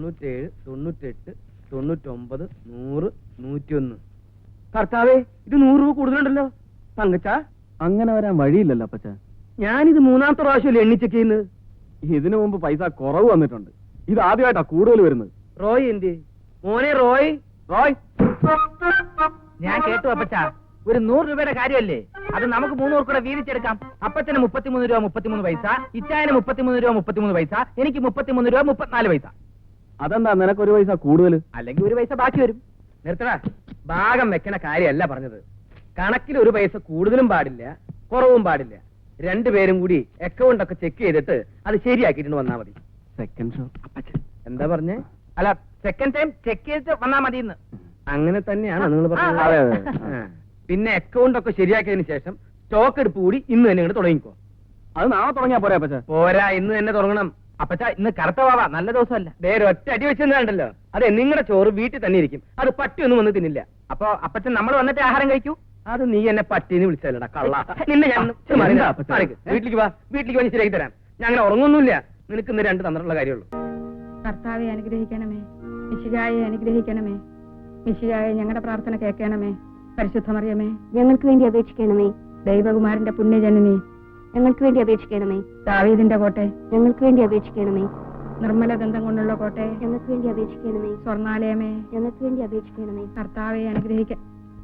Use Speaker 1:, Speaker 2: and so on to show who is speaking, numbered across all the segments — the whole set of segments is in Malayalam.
Speaker 1: 97, 98, 99, 100, 101. കർത്താവേ, ഇത് 100 രൂപ കൂടുതലുണ്ടല്ലോ. തങ്കച്ച,
Speaker 2: അങ്ങനെ വരാൻ വഴിയില്ലല്ലോ അപ്പച്ച.
Speaker 1: ഞാനിത് 3ാമത്തെ പ്രാവശ്യമല്ലേ എണ്ണിച്ചെക്ക് ചെയ്യുന്നത്.
Speaker 2: ഇതിനു മുമ്പ് പൈസ കുറവ് വന്നിട്ടുണ്ട്. ഇത് ആദ്യമായിട്ടാ കൂടുതൽ വരുന്നത്.
Speaker 1: റോയ് എന്ത് മോനെ? റോയ്
Speaker 2: റോയ്,
Speaker 3: ഞാൻ കേട്ടു അപ്പച്ച. ഒരു 100 രൂപയുടെ കാര്യമല്ലേ അത്? നമുക്ക് 3 പേർ കൂടെ വീതിച്ചെടുക്കാം. അപ്പച്ചന് 33 രൂപ 33 പൈസ, ഇച്ചായന് 33 രൂപ 33 പൈസ, എനിക്ക് 33 രൂപ 34 പൈസ.
Speaker 2: അതെന്താ നിനക്കൊരു പൈസ കൂടുതൽ?
Speaker 3: അല്ലെങ്കിൽ 1 പൈസ ബാക്കി വരും.
Speaker 1: നിർത്തടാ. ഭാഗം വെക്കണ കാര്യമല്ല പറഞ്ഞത്. കണക്കിൽ 1 പൈസ കൂടുതലും പാടില്ല, കുറവും പാടില്ല. 2 പേരും കൂടി അക്കൗണ്ട് ഒക്കെ ചെക്ക് ചെയ്തിട്ട് അത് ശരിയാക്കിയിട്ട് വന്നാ മതി.
Speaker 2: Second show.
Speaker 1: അപ്പച്ചൻ എന്താ പറഞ്ഞേ?
Speaker 3: അല്ല, സെക്കൻഡ് ടൈം ചെക്ക് ചെയ്തിട്ട് വന്നാ മതി എന്ന്.
Speaker 1: അങ്ങനെ തന്നെയാണ് നിങ്ങൾ
Speaker 2: അതെ,
Speaker 1: പറഞ്ഞത്.
Speaker 2: അതെ.
Speaker 1: ആ. പിന്നെ അക്കൗണ്ട് ഒക്കെ ശരിയാക്കിയതിന് ശേഷം സ്റ്റോക്ക് എടുപ്പ് കൂടി ഇന്ന് തന്നെ ഇങ്ങോട്ട് തുടങ്ങിക്കോ.
Speaker 2: അത് നാളെ തുടങ്ങിയാ പോരാ അപ്പച്ച?
Speaker 1: പോരാ, ഇന്ന് തന്നെ തുടങ്ങണം.
Speaker 3: അപ്പച്ച, ഇന്ന് കറുത്ത വാവ, നല്ല ദിവസമല്ല.
Speaker 1: വേറെ ഒറ്റ അടി വെച്ചെന്നുണ്ടല്ലോ. അതെ, നിങ്ങളുടെ ചോറ് വീട്ടിൽ തന്നെ ഇരിക്കും. അത് പട്ടിയൊന്നും വന്ന് തിന്നില്ല.
Speaker 3: അപ്പൊ അപ്പച്ചൻ നമ്മൾ വന്നിട്ട് ആഹാരം കഴിക്കൂ.
Speaker 1: അത് നീ എന്നെ പട്ടിന്ന് വിളിച്ചല്ലടാ കള്ള. നിന്നെ ഞാൻ
Speaker 2: എന്താ അപ്പച്ചാ?
Speaker 1: വീട്ടിലേക്ക് വാ, വീട്ടിലേക്ക് വന്ന് ശരിയാക്കി തരാം. ഞാൻ അങ്ങനെ ഉറങ്ങൊന്നുമില്ല. നിനക്ക് ഇന്ന് 2 തന്നിട്ടുള്ള കാര്യമുള്ളൂ.
Speaker 4: കർത്താവെ അനുഗ്രഹിക്കണമേ, മിശിഹായെ അനുഗ്രഹിക്കണമേ, മിശിഹായെ ഞങ്ങളുടെ പ്രാർത്ഥന കേൾക്കണമേ. പരിശുദ്ധ മറിയമേ,
Speaker 5: ഞങ്ങൾക്ക് വേണ്ടി അപേക്ഷിക്കണമേ.
Speaker 4: ദൈവകുമാരന്റെ പുണ്യജനനി,
Speaker 5: ഞങ്ങൾക്ക് വേണ്ടി അപേക്ഷിക്കണമേ.
Speaker 4: ദാവീദിന്റെ കോട്ടെ,
Speaker 5: ഞങ്ങൾക്ക് വേണ്ടി അപേക്ഷിക്കണമേ.
Speaker 4: നിർമ്മല ദന്തം കൊണ്ടുള്ള കോട്ടെ,
Speaker 5: ഞങ്ങൾക്ക് വേണ്ടി അപേക്ഷിക്കണമേ.
Speaker 4: സ്വർണാലയമേ,
Speaker 5: ഞങ്ങൾക്ക് വേണ്ടി അപേക്ഷിക്കണമേ.
Speaker 4: കർത്താവെ അനുഗ്രഹിക്ക.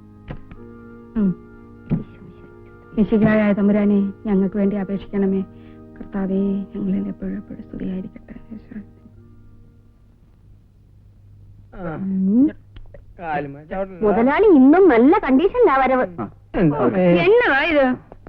Speaker 4: മിശിഹായായ തമ്പുരാനെ, ഞങ്ങൾക്ക് വേണ്ടി അപേക്ഷിക്കണമേ. കർത്താവെ, ഞങ്ങളിൽ എപ്പോഴും എപ്പോഴും സ്തുതിയായിരിക്കട്ടെ.
Speaker 5: മുതലാളി ഇന്നും നല്ല കണ്ടീഷനിലാ വരവ്.
Speaker 4: എന്നതാ ഇത്?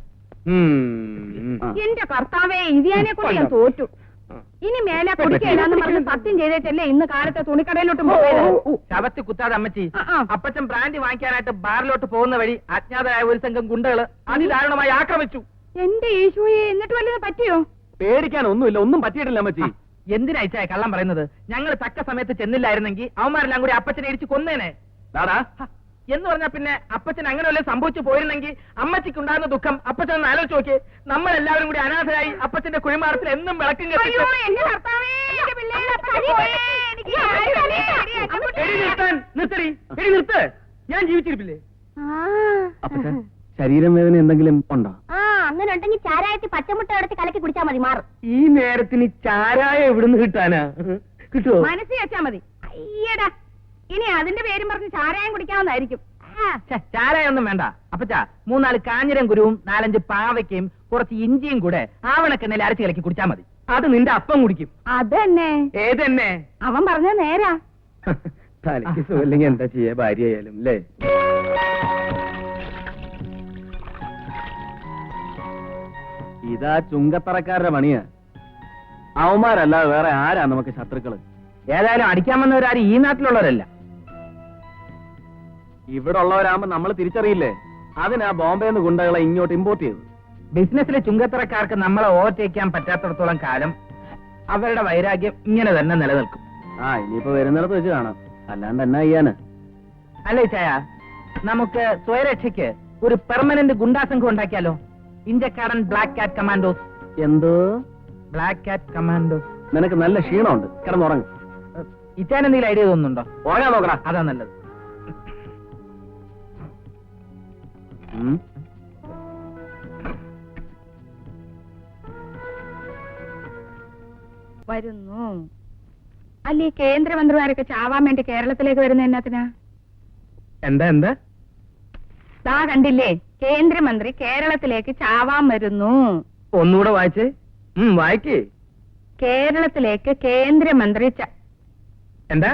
Speaker 4: എന്റെ കർത്താവെ, ഇതിയാനെ കൊണ്ട് ഞാൻ തോറ്റു. ഇനി മേലെ കുടിക്കയില്ലാന്ന് പറഞ്ഞ് സത്യം ചെയ്തേറ്റല്ലേ ഇന്ന് കാലത്തെ തുണിക്കടയിലോട്ട് പോയത്.
Speaker 3: ശവത്തി കുത്താതെ അമ്മച്ചി.
Speaker 4: ആ.
Speaker 3: അപ്പച്ചൻ ബ്രാൻഡി വാങ്ങിക്കാനായിട്ട് ബാറിലോട്ട് പോകുന്ന വഴി അജ്ഞാതരായ ഒരു സംഘം ഗുണ്ടകള് അതിദാരുണമായി ആക്രമിച്ചു.
Speaker 4: എന്റെ ഈശോയെ, എന്നിട്ട് വല്ലതും പറ്റിയോ?
Speaker 2: പേടിക്കാൻ ഒന്നുമില്ല, ഒന്നും പറ്റിയിട്ടില്ല അമ്മച്ചി.
Speaker 3: എന്തിനായിച്ചായ കള്ളം പറയുന്നത്? ഞങ്ങൾ തക്ക സമയത്ത് ചെന്നില്ലായിരുന്നെങ്കിൽ അവന്മാരെല്ലാം കൂടി അപ്പച്ചനെ ഇടിച്ച് കൊന്നേനെ.
Speaker 2: ദാടാ,
Speaker 3: എന്ന് പറഞ്ഞാ പിന്നെ അപ്പച്ചൻ അങ്ങനെ വല്ലതും സംഭവിച്ചു പോയിരുന്നെങ്കിൽ അമ്മച്ചിക്ക് ഉണ്ടാകുന്ന ദുഃഖം അപ്പച്ചൻ ഒന്ന് ആലോചിച്ച് നോക്കിയേ. നമ്മളെല്ലാവരും കൂടി അനാഥരായി അപ്പച്ചന്റെ കുഴിമാടത്തിൽ എന്നും വിളക്കും
Speaker 4: അയ്യോ, എന്റെ കർത്താവേ, എന്റെ പിള്ളേരെ എനിക്ക്
Speaker 1: നിർത്തടി, എടി നിർത്ത്. ഞാൻ ജീവിച്ചിരിപ്പില്ലേ?
Speaker 2: അപ്പച്ച, ശരീരം വേദന എന്തെങ്കിലും ഉണ്ടോ?
Speaker 5: അങ്ങനെ ഉണ്ടെങ്കിൽ ചാരായത്തിൽ പച്ചമുട്ട എടുത്ത് കലക്കി കുടിച്ചാൽ മതി, മാറും.
Speaker 1: ഈ നേരത്തിന് ചാരായ എവിടുന്ന് കിട്ടാനാ? കിട്ടുവോ?
Speaker 4: മനസ്സിൽ വെച്ചാ മതി. അയ്യടാ, ഇനി അതിന്റെ പേരും പറഞ്ഞ് ചാരായം കുടിക്കാവുന്നതായിരിക്കും.
Speaker 3: ചാരായൊന്നും വേണ്ട അപ്പച്ച. 3-4 കാഞ്ഞിരം കുരുവും 4-5 പാവയ്ക്കയും കുറച്ച് ഇഞ്ചിയും കൂടെ ആവണക്കെണ്ണയിൽ അരച്ച് കലക്കി കുടിച്ചാൽ മതി.
Speaker 1: അത് നിന്റെ അപ്പം കുടിക്കും.
Speaker 4: അതന്നെ
Speaker 1: ഏതെന്നെ?
Speaker 4: അവൻ പറഞ്ഞ നേരാ.
Speaker 1: തലയ്ക്ക് സുഖമില്ലെങ്കിൽ എന്താ ചെയ്യാ, ഭാര്യ ആയാലും അല്ലേ?
Speaker 2: ഇതാ ചുങ്കത്തറക്കാരുടെ പണിയാ. അവന്മാരല്ലാതെ വേറെ ആരാ നമുക്ക് ശത്രുക്കള്?
Speaker 3: ഏതായാലും അടിക്കാൻ വന്നവരാരും ഈ നാട്ടിലുള്ളവരല്ല.
Speaker 2: ഇവിടെ ഉള്ളവരാകുമ്പോ നമ്മൾ തിരിച്ചറിയില്ലേ? അതിനാ ബോംബെന്ന് ഗുണ്ടകളെ ഇങ്ങോട്ട് ഇമ്പോർട്ട് ചെയ്തത്.
Speaker 3: ബിസിനസ്സിലെ ചുങ്കത്തറക്കാർക്ക് നമ്മളെ ഓവർടേക്കാൻ പറ്റാത്തടത്തോളം കാലം അവരുടെ വൈരാഗ്യം ഇങ്ങനെ തന്നെ നിലനിൽക്കും.
Speaker 2: ഇനിയിപ്പോ വരുന്നിടത്ത് വെച്ച് കാണാം, അല്ലാണ്ട് എന്നാ ചെയ്യാന്?
Speaker 3: അല്ലേ ചായ, നമുക്ക് സ്വയരക്ഷയ്ക്ക് ഒരു പെർമനന്റ് ഗുണ്ടാസംഘം ഉണ്ടാക്കിയാലോ? ഇന്ത്യക്കാരൻ ബ്ലാക്ക് കാറ്റ് കമാൻഡോസ്.
Speaker 2: എന്തോ
Speaker 3: ബ്ലാക്ക് കാറ്റ് കമാൻഡോസ്?
Speaker 2: നിനക്ക് നല്ല ക്ഷീണമുണ്ട്, കിടന്നുറങ്ങും.
Speaker 3: ഇറ്റാൻ എന്തെങ്കിലും ഐഡിയ തോന്നുന്നുണ്ടോ?
Speaker 2: ഉറങ്ങാൻ നോക്കടാ.
Speaker 3: അതാ നല്ലത്.
Speaker 4: വരുന്നു. അല്ലേ കേന്ദ്രമന്ത്രിമാരൊക്കെ ചാവാൻ വേണ്ടി കേരളത്തിലേക്ക് വരുന്ന എന്നാത്തിനാ?
Speaker 1: എന്താ എന്താ?
Speaker 4: ദാ കണ്ടില്ലേ, കേന്ദ്രമന്ത്രി കേരളത്തിലേക്ക് ചാവാൻ വരുന്നു.
Speaker 1: ഒന്നുകൂടെ വായിച്ചേ. വായിക്കേ.
Speaker 4: കേരളത്തിലേക്ക് കേന്ദ്രമന്ത്രി
Speaker 1: എന്താ?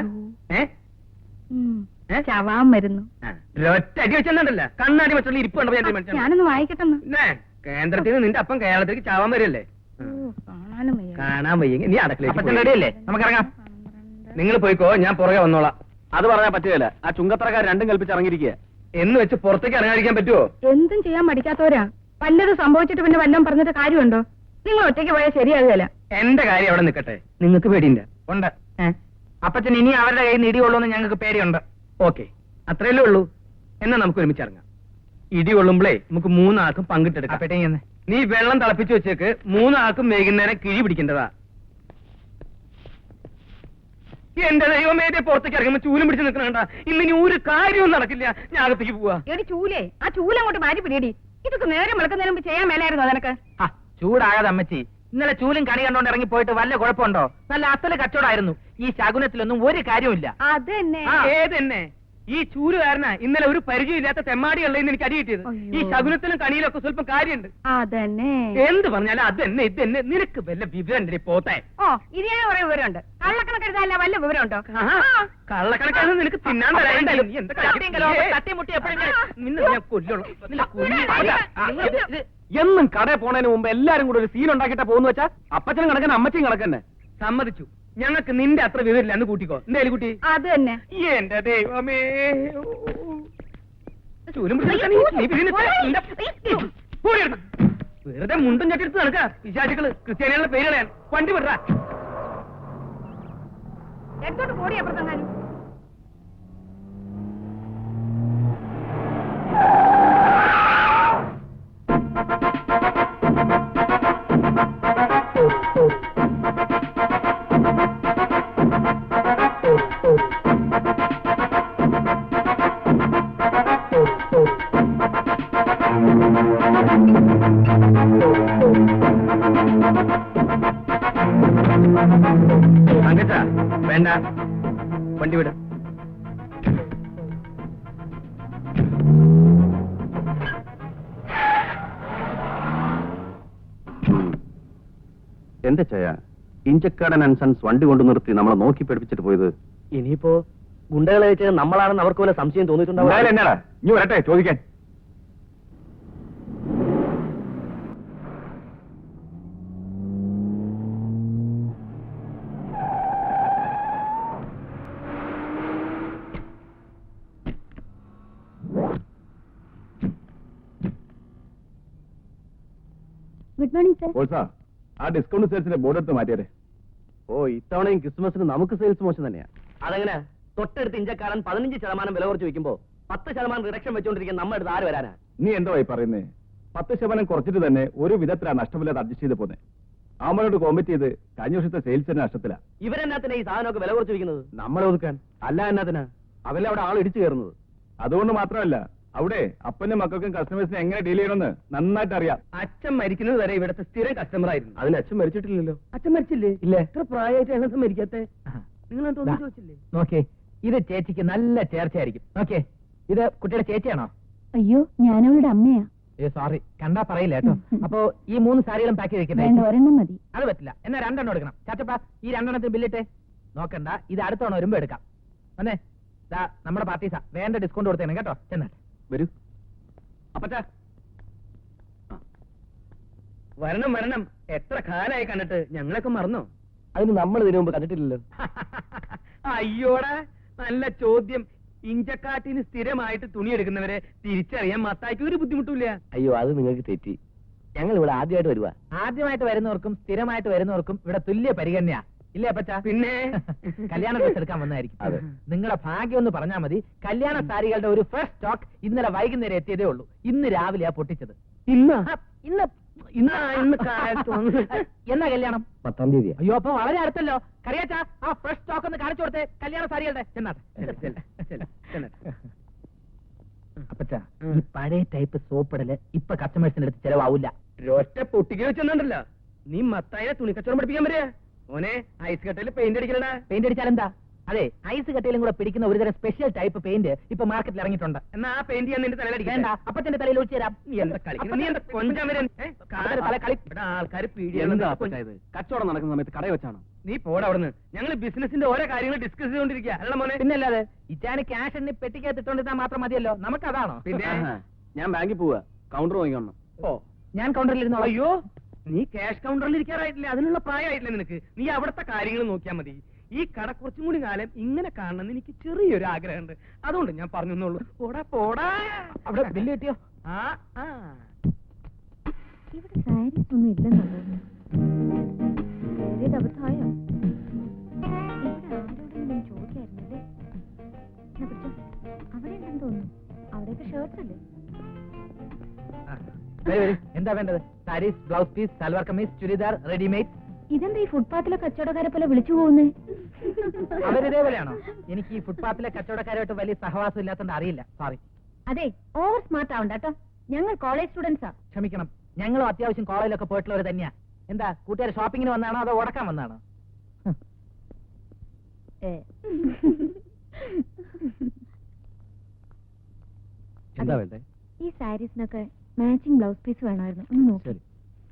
Speaker 4: ചാവാൻ വരുന്നു.
Speaker 1: ഒറ്റ അടി വെച്ചെന്നുണ്ടല്ല, കണ്ണാടി വെച്ചുള്ള ഇരിപ്പുണ്ടോ?
Speaker 4: ഞാനൊന്ന് വായിക്കട്ടെന്ന്.
Speaker 1: കേന്ദ്രത്തിൽ നിന്ന് നിന്റെ അപ്പം കേരളത്തിലേക്ക് ചാവാൻ വരല്ലേ? കാണാൻ വയ്യെങ്കിൽ നീ അടക്കളയിലേക്ക്
Speaker 3: റെഡിയല്ലേ? നമുക്കിറങ്ങാം.
Speaker 1: നിങ്ങൾ പോയിക്കോ, ഞാൻ പുറകെ വന്നോളാം.
Speaker 2: അത് പറഞ്ഞാൽ പറ്റുകയില്ല. ആ ചുങ്കത്തറക്കാർ രണ്ടും കൽപ്പിച്ച് ഇറങ്ങിയിരിക്കുക.
Speaker 1: എന്ന് വെച്ച് പുറത്തേക്ക് ഇറങ്ങാതിരിക്കാൻ പറ്റുമോ?
Speaker 4: എന്തും ചെയ്യാൻ പഠിക്കാത്തവരാ. വല്ലത് സംഭവിച്ചിട്ട് പിന്നെ വല്ലതും പറഞ്ഞിട്ട് കാര്യമുണ്ടോ? നിങ്ങൾ ഒറ്റയ്ക്ക് പോയാൽ ശരിയാകുകയല്ല.
Speaker 1: എന്റെ കാര്യം അവിടെ നിൽക്കട്ടെ, നിങ്ങൾക്ക് പേടിയില്ല?
Speaker 3: ഉണ്ട്. അപ്പച്ചൻ ഇനി അവരുടെ കയ്യിൽ നിന്ന് ഇടികൊള്ളുമെന്ന് ഞങ്ങൾക്ക് പേടിയുണ്ട്.
Speaker 1: ഓക്കെ, അത്രയല്ലേ ഉള്ളൂ. എന്നാ നമുക്ക് ഒരുമിച്ച് ഇറങ്ങാം. ഇടി കൊള്ളുമ്പോഴേ നമുക്ക് 3 ആൾക്കും പങ്കിട്ടെടുക്കാം. നീ വെള്ളം തിളപ്പിച്ച് വെച്ചേക്ക്. 3 ആൾക്കും വൈകുന്നേരം കിഴി പിടിക്കേണ്ടതാ. എന്റെ ദൈവമേ, പുറത്തേക്ക് ഇറങ്ങുമ്പോ ചൂലും പിടിച്ച് നിൽക്കണ ഇന്നിനി ഒരു കാര്യവും നടക്കില്ല. ഞാൻ അകത്തേക്ക് പോവാ.
Speaker 4: എടി ചൂലേ, ആ ചൂലങ്ങോട്ട് മാറ്റി പിടിയടി. ഇതൊക്കെ നേരം വിളക്കുന്നതിന് മുമ്പ് ചെയ്യാൻ മേലായിരുന്നു നിനക്ക്.
Speaker 3: ചൂടാകാതെ അമ്മച്ചി. ഇന്നലെ ചൂലും കണി കണ്ടോണ്ട് ഇറങ്ങി പോയിട്ട് വല്ല കുഴപ്പമുണ്ടോ? നല്ല അസല് കച്ചവടമായിരുന്നു. ഈ ശകുനത്തിലൊന്നും ഒരു കാര്യമില്ല.
Speaker 4: അത് തന്നെ.
Speaker 1: ഏതെന്നെ ഈ ചൂലുകാരനാ ഇന്നലെ ഒരു പരിചയമില്ലാത്ത തെമ്മാടിയുള്ളതെന്ന് എനിക്ക് അടി കിട്ടിയത്. ഈ ശകുനത്തിലും കണിയിലൊക്കെ സ്വല്പം കാര്യമുണ്ട്.
Speaker 4: അതന്നെ.
Speaker 1: എന്ത് പറഞ്ഞാലും അതെന്നെ ഇതെന്നെ നിനക്ക് വല്ല വിവരം പോത്തെ.
Speaker 4: ഓ, ഇത് ഞാൻ കുറെ വിവരമുണ്ട്. കള്ളക്കണക്കെടുത്തല്ല വല്ല വിവരമുണ്ടോ?
Speaker 1: കള്ളക്കണക്കാണ് നിനക്ക് തിന്നാൻ തരാനുണ്ടല്ലോ. നീ എന്താ
Speaker 3: തട്ടിമുട്ടി എപ്പോഴും
Speaker 1: നിന്നെ ഞാൻ കൊല്ലുള്ളൂ.
Speaker 2: എന്നും കടയിൽ പോണതിന് മുമ്പ് എല്ലാരും കൂടെ ഒരു സീൻ ഉണ്ടാക്കിയിട്ടാ പോകുന്നു വെച്ചാ അപ്പച്ചനും കണക്കന്നെ അമ്മച്ചിയും കണക്കന്നെ.
Speaker 1: സമ്മതിച്ചു. ഞങ്ങൾക്ക് നിന്റെ അത്ര വിവരമില്ല. അന്ന് കൂട്ടിക്കോ. എന്തായാലും കുട്ടി.
Speaker 4: അത് തന്നെ.
Speaker 1: എന്റെ ദൈവമേ, വെറുതെ മുണ്ടും ചട്ടിയെടുത്ത് നടക്ക. വിശാചികള് ക്രിസ്ത്യാനികളുടെ പേര് കളയാൻ. വണ്ടി വിടറ.
Speaker 4: എടുത്തോട്ട് പോടി അപ്പുറത്തെങ്ങാനും.
Speaker 1: തങ്കച്ച വേണ്ട, വണ്ടി വിട.
Speaker 2: എന്റെ ചയ ഇഞ്ചക്കാടൻ ആൻഡ് സൺസ് വണ്ടി കൊണ്ടു നിർത്തി നമ്മളെ നോക്കി പഠിപ്പിച്ചിട്ട് പോയത്.
Speaker 1: ഇനിയിപ്പോ ഗുണ്ടകളെ വെച്ച് നമ്മളാണെന്ന് അവർക്ക് വല്ല സംശയം തോന്നിയിട്ടുണ്ടാവും.
Speaker 2: എന്നാടാ ഇനി വരട്ടെ ചോദിക്കാൻ.
Speaker 5: Good morning sir.
Speaker 2: ഓൾസാ ആ ഡിസ്കൗണ്ട് സെയിൽസിന്റെ ബോർഡ് എടുത്ത് മാറ്റിയേ. ഓ, ഇത്തവണയും ക്രിസ്മസിന് നമുക്ക് സെയിൽസ് മോശം തന്നെയാ.
Speaker 1: അതെങ്ങനെ? തൊട്ടടുത്ത് ഇഞ്ചക്കാരൻ 15% വില കുറച്ച് വെക്കുമ്പോ 10% റിഡക്ഷൻ വെച്ചോണ്ടിരിക്കാൻ നമ്മുടെ അടുത്ത് ആര് വരാനാ?
Speaker 2: നീ എന്തായി പറയുന്നേ? 10% കുറച്ചിട്ട് തന്നെ ഒരു വിധത്തിലാണ് നഷ്ടമില്ലാതെ അഡ്ജസ്റ്റ് ചെയ്ത് പോന്നെ. അവനോട് കോമ്പറ്റ് ചെയ്ത് കഴിഞ്ഞ വർഷത്തെ സെയിൽസ് തന്നെ നഷ്ടത്തിലാ.
Speaker 1: ഇവരെന്നാത്തിനാ ഈ സാധനമൊക്കെ വില കുറച്ച് വെക്കുന്നത്?
Speaker 2: നമ്മളെ ഒതുക്കാൻ. അല്ല എന്നാത്തിനാ അവരെ അവിടെ ആൾ ഇടിച്ചു കയറുന്നത്. അതുകൊണ്ട് മാത്രമല്ല, അവിടെ അപ്പനും മക്കൾക്കും കസ്റ്റമേഴ്സിനെ എങ്ങനെ ഡീൽ ചെയ്യണമെന്ന് നന്നായിട്ട് അറിയാം.
Speaker 1: അച്ഛൻ മരിക്കുന്നത് വരെ ഇവിടുത്തെ സ്ഥിരം കസ്റ്റമർ ആയിരുന്നു.
Speaker 2: അതിന് അച്ഛൻ മരിച്ചിട്ടില്ലല്ലോ.
Speaker 1: അച്ഛൻ മരിച്ചില്ലേ?
Speaker 2: ഇല്ല.
Speaker 1: എത്ര പ്രായമായിട്ട് എങ്ങനെ മരിക്കാത്തെ? നിങ്ങൾ ചോദിച്ചില്ലേ?
Speaker 3: നോക്കേ, ഇത് ചേച്ചിക്ക് നല്ല ചേർച്ചയായിരിക്കും. നോക്കേ, ഇത് കുട്ടിയുടെ ചേച്ചിയാണോ?
Speaker 5: അയ്യോ, ഞാനവളുടെ അമ്മയാ.
Speaker 3: സോറി, കണ്ടാ പറയില്ല കേട്ടോ. അപ്പോ ഈ 3 സാരികളും പാക്ക്
Speaker 5: വേണ്ട,
Speaker 3: ചെയ്തിരിക്കുന്നത്
Speaker 5: ഒരെണ്ണം മതി.
Speaker 3: അത് പറ്റില്ല. എന്നാ 2 എണ്ണം എടുക്കണം. ചാച്ചപ്പ, ഈ 2 എണ്ണത്തിന് ബില്ലിട്ടെ. നോക്കണ്ട, ഇത് അടുത്തവണ വരുമ്പോ എടുക്കാം. വന്നേ, ദാ നമ്മുടെ പാർട്ടീസാ. വേണ്ട ഡിസ്കൗണ്ട് കൊടുത്തേനെ കേട്ടോ. ചെന്നാട്ടെ.
Speaker 2: വരൂ അപ്പച്ചാ.
Speaker 1: വരണം വരണം. എത്ര കാലായി കണ്ടിട്ട്. ഞങ്ങളൊക്കെ മറന്നോ?
Speaker 2: അതിന് നമ്മൾ ഇതിനു മുമ്പ് കണ്ടിട്ടില്ലല്ലോ.
Speaker 1: അയ്യോടാ, നല്ല ചോദ്യം. ഇഞ്ചക്കാട്ടിന് സ്ഥിരമായിട്ട് തുണി എടുക്കുന്നവരെ തിരിച്ചറിയാൻ മത്തായിക്ക് ഒരു ബുദ്ധിമുട്ടില്ല.
Speaker 2: അയ്യോ, അത് നിങ്ങൾക്ക് തെറ്റി. ഞങ്ങൾ ഇവിടെ ആദ്യമായിട്ട് വരുവാ.
Speaker 3: ആദ്യമായിട്ട് വരുന്നവർക്കും സ്ഥിരമായിട്ട് വരുന്നവർക്കും ഇവിടെ തുല്യ പരിഗണനയാ. ഇല്ലേ അപ്പച്ചാ?
Speaker 1: പിന്നെ
Speaker 3: കല്യാണ ഡ്രസ് എടുക്കാൻ വന്നായിരിക്കും.
Speaker 2: അതെ.
Speaker 3: നിങ്ങളുടെ ഭാഗ്യം ഒന്ന് പറഞ്ഞാൽ മതി. കല്യാണ സാരികളുടെ ഒരു ഫസ്റ്റ് സ്റ്റോക്ക് ഇന്നലെ വൈകുന്നേരം എത്തിയതേ ഉള്ളൂ. ഇന്ന് രാവിലെയാ പൊട്ടിച്ചത്.
Speaker 1: ഇന്ന്
Speaker 3: ഇന്ന്
Speaker 1: ഇന്ന് കാലത്ത്
Speaker 3: എന്നാ കല്യാണം?
Speaker 2: 10-ാം തീയതി.
Speaker 3: അയ്യോ, അപ്പൊ വളരെ അടുത്തല്ലോ. കറിയാച്ചാ, ആ ഫ്രഷ് സ്റ്റോക്ക് ഒന്ന് കാണിച്ചു കൊടുത്തേ കല്യാണ സാരികളുടെ. ചെന്നാട്ടെ. അപ്പച്ചാ, ഈ പഴയ ടൈപ്പ് സോപ്പിടല് ഇപ്പൊ കസ്റ്റമേഴ്സിന്റെ അടുത്ത് ചെലവാവില്ല.
Speaker 1: ഒറ്റ പൊട്ടിക്ക് വെച്ചെന്നുണ്ടല്ലോ. നീ മത്തായിനെ തുണിക്കച്ചവടം പഠിപ്പിക്കാൻ വരിക. ഓനെ ഐസ് കട്ടയിൽ പെയിന്റ് അടിക്കലടാ.
Speaker 3: പെയിന്റ് അടിച്ചാൽ എന്താ? അതെ, ഐസ് കട്ടയിലും കൂടെ പിടിക്കുന്ന ഒരുതരം സ്പെഷ്യൽ ടൈപ്പ് പെയിന്റ് ഇപ്പൊ മാർക്കറ്റിൽ ഇറങ്ങിയിട്ടുണ്ട്.
Speaker 1: എന്നാ ആ പെയിന്റ് ഞാൻ നിന്റെ തലയിലടിക്കാൻ.
Speaker 3: വേണ്ട, അപ്പച്ചന്റെ തലയിൽ ഒഴിച്ചു തരാം.
Speaker 1: നീ എന്താ കളിക്കുന്നത്? നീ എന്താ കൊഞ്ചാൻ വരാൻ? ഇവിടെ ആൾക്കാർ
Speaker 2: കച്ചവടം നടക്കുന്ന സമയത്ത് കടയിൽ വെച്ചാണോ?
Speaker 1: നീ പോടാ അവിടുന്ന്. ഞങ്ങൾ ബിസിനസിന്റെ ഓരോ കാര്യങ്ങൾ ഡിസ്കസ് ചെയ്തോണ്ടിരിക്കുക. അല്ല മോനെ?
Speaker 3: പിന്നല്ലാതെ, ഇറ്റാന് ക്യാഷ് എണ്ണി പെട്ടിക്കകത്ത് ഇട്ടോണ്ടിരുന്നാൽ മാത്രം മതിയല്ലോ. നമുക്കതാണോ?
Speaker 1: പിന്നെ
Speaker 2: ഞാൻ ബാങ്കിൽ പോവാ. കൗണ്ടർ വാങ്ങിക്കണം.
Speaker 1: ഓ,
Speaker 3: ഞാൻ കൗണ്ടറിലിരുന്നോ?
Speaker 1: അയ്യോ, നീ ക്യാഷ് കൗണ്ടറിൽ ഇരിക്കാറായിട്ടില്ല. അതിനുള്ള പ്രായമായിട്ടില്ല നിനക്ക്. നീ അവിടുത്തെ കാര്യങ്ങൾ നോക്കിയാൽ മതി. ഈ കട കുറച്ചും കൂടി കാലം ഇങ്ങനെ കാണണമെന്ന് എനിക്ക് ചെറിയൊരു ആഗ്രഹമുണ്ട്. അതുകൊണ്ട് ഞാൻ പറഞ്ഞെന്നുള്ളൂ. പോടാ പോടാ.
Speaker 3: അവിടെ ബില്ല് കിട്ടിയോ?
Speaker 1: ആ ആ
Speaker 5: ഇവിടെ സാരീസ് ഒന്നും ഇല്ലെന്നുള്ളത് അബദ്ധമായോ? ഇവിടെ ആരോടെങ്കിലും ചോദിക്കായിരുന്നല്ലേ? അവിടെ ഉണ്ടെന്ന് തോന്നുന്നു. അവിടെയൊക്കെ ഷർട്ട്സ് അല്ലേ?
Speaker 3: എന്താ വേണ്ടത്? Saris, blouse piece, salwar kameez, churidar, readymade.
Speaker 4: ഇതെന്താ ഈ ഫുട്പാത്തിലെ കച്ചവടക്കാരെ പോലെ വിളിച്ചു പോകുന്നേ?
Speaker 3: അവരിതേപോലെയാണോ? എനിക്ക് ഈ ഫുട്പാത്തിലെ കച്ചവടക്കാരുമായിട്ട് വലിയ സഹവാസം ഇല്ലാത്തതുകൊണ്ട് അറിയില്ല. സോറി.
Speaker 4: അതെ, ഓവർ സ്മാർട്ട് ആവണ്ട കേട്ടോ. ഞങ്ങൾ കോളേജ് സ്റ്റുഡൻസാ.
Speaker 3: ക്ഷമിക്കണം, ഞങ്ങളും അത്യാവശ്യം കോളേജിലൊക്കെ പോയിട്ടുള്ളവർ തന്നെയാ. എന്താ കൂട്ടുകാർ ഷോപ്പിങ്ങിന് വന്നാണോ അതോ ഉടക്കാൻ വന്നാണോ?
Speaker 1: എന്താ വേണ്ടേ?
Speaker 4: ഈ സാരീസിനൊക്കെ മാച്ചിങ് ബ്ലൗസ് പീസ് വേണമായിരുന്നു. ഒന്ന് നോക്കി.
Speaker 1: ശരി.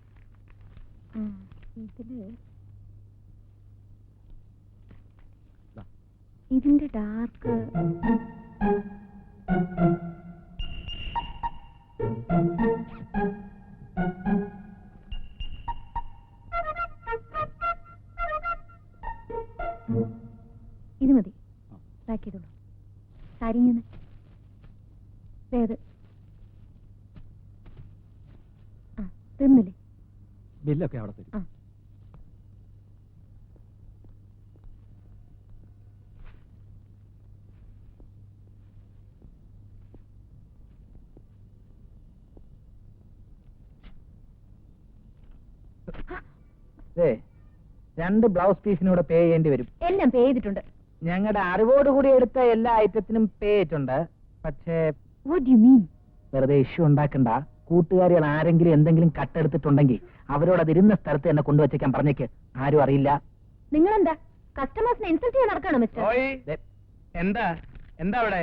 Speaker 4: ഇതിന്റെ ഡാർക്ക് ഇത് മതി. പാക്ക് ചെയ്തോളൂ. സാരി ഇങ്ങനെ തീർന്നില്ലേ?
Speaker 1: ബില്ലൊക്കെ അവിടെ തരും.
Speaker 3: രണ്ട് ബ്ലൗസ് പീസിനൂടെ പേ ചെയ്യേണ്ടി വരും.
Speaker 4: എല്ലാം പേ ചെയ്തിട്ടുണ്ട്.
Speaker 3: ഞങ്ങളുടെ അറിവോടുകൂടി എടുത്ത എല്ലാ ഐറ്റത്തിനും പേ ചെയ്തിട്ടുണ്ട്. പക്ഷേ
Speaker 4: What do you mean?
Speaker 3: വെറുതെ ഇഷ്യൂ ഉണ്ടാക്കണ്ട. കൂട്ടുകാരികൾ ആരെങ്കിലും എന്തെങ്കിലും കട്ടെടുത്തിട്ടുണ്ടെങ്കിൽ അവരോട് അത് ഇരുന്ന സ്ഥലത്ത് തന്നെ കൊണ്ടുവച്ചേക്കാൻ പറഞ്ഞേക്ക്. ആരും അറിയില്ല.
Speaker 4: നിങ്ങളെന്താ കസ്റ്റമേഴ്സിനെ ഇൻസൾട്ട് ചെയ്യാൻ നടക്കാണോ മിസ്റ്റർ?
Speaker 1: ദേ, എന്താ എന്താ അവിടെ?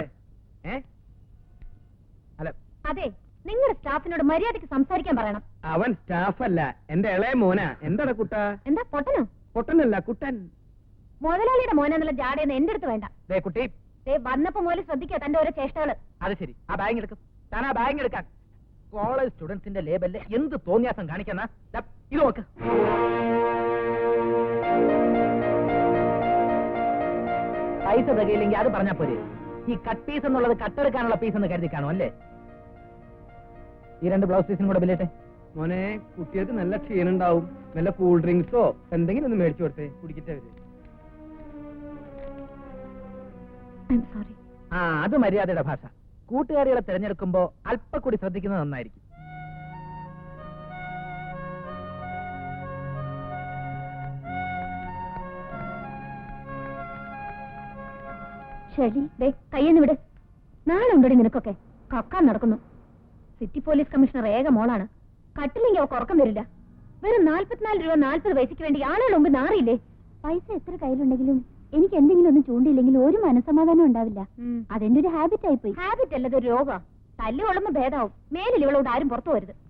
Speaker 1: അല്ല,
Speaker 4: അതെ, നിങ്ങളുടെ സ്റ്റാഫിനോട് മര്യാദയ്ക്ക് സംസാരിക്കാൻ പറയണം.
Speaker 1: അവൻ സ്റ്റാഫല്ല, എന്റെ ഇളയ മോനാ. എന്താടാ കുട്ട?
Speaker 4: എന്താ പൊട്ടനോ?
Speaker 1: പൊട്ടനല്ല, കുട്ടൻ.
Speaker 4: മുതലാളിയുടെ മോനെന്നുള്ള ജാടയെന്ന് എന്റെ അടുത്ത് വേണ്ട.
Speaker 3: ദേ കുട്ടി,
Speaker 4: വന്നപ്പോ മുതൽ ശ്രദ്ധിക്കുക തന്റെ ഓരോ ചേഷ്ടകള്.
Speaker 3: അത് ശരി. ആ ബാഗ് എടുക്കും. താൻ ആ ബാഗ് എടുക്കാൻ. കോളേജ് സ്റ്റുഡൻസിന്റെ ലേബലില് എന്ത് തോന്നിയാസം കാണിക്കുന്ന ഇത് നോക്ക്. പൈസ തികയില്ലെങ്കിൽ അത് പറഞ്ഞാ പോരെ. ഈ കട്ട് പീസ് എന്നുള്ളത് കട്ടെടുക്കാനുള്ള പീസ് എന്ന് കരുതി കാണും അല്ലേ? ഈ രണ്ട് ബ്ലൗസ് പീസിനും കൂടെ ബില്ലിട്ടെ.
Speaker 1: മോനെ, കുട്ടികൾക്ക് നല്ല ക്ഷീണുണ്ടാവും. നല്ല കൂൾ ഡ്രിങ്ക്സോ എന്തെങ്കിലും ഒന്ന് മേടിച്ചു കൊടുത്തേ, കുടിക്കട്ടെ അവര്.
Speaker 4: സോറി.
Speaker 3: ആ, അത് മര്യാദയുടെ ഭാഷ. കൂട്ടുകാരികളെ തിരഞ്ഞെടുക്കുമ്പോ അല്പ കൂടി ശ്രദ്ധിക്കുന്നത് നന്നായിരിക്കും.
Speaker 4: ശരി, കയ്യെന്ന് വിട്. നാളെ ഉണ്ടോടി നിനക്കൊക്കെ കക്കാൻ നടക്കുന്നു. സിറ്റി പോലീസ് കമ്മീഷണർ ഏക മോളാണ്. കട്ടില്ലെങ്കിൽ അവർക്ക് ഉറക്കം വരില്ല. വെറും 44 രൂപ 40 പൈസയ്ക്ക് വേണ്ടി ആളുകൾ മുമ്പ് നാറിയില്ലേ? പൈസ എത്ര കയ്യിലുണ്ടെങ്കിലും എനിക്ക് എന്തെങ്കിലും ഒന്നും ചൂണ്ടിയില്ലെങ്കിൽ ഒരു മനസ്സമാധാനം ഉണ്ടാവില്ല. അതെന്റെ ഒരു ഹാബിറ്റ് ആയിപ്പോയി. ഹാബിറ്റ് അല്ലത് ഒരു രോഗം. തല്ലുകൊള്ളുമ്പോ ഭേദാവും. മേലിൽ ഇവളോട് ആരും പുറത്തു പോരുത്.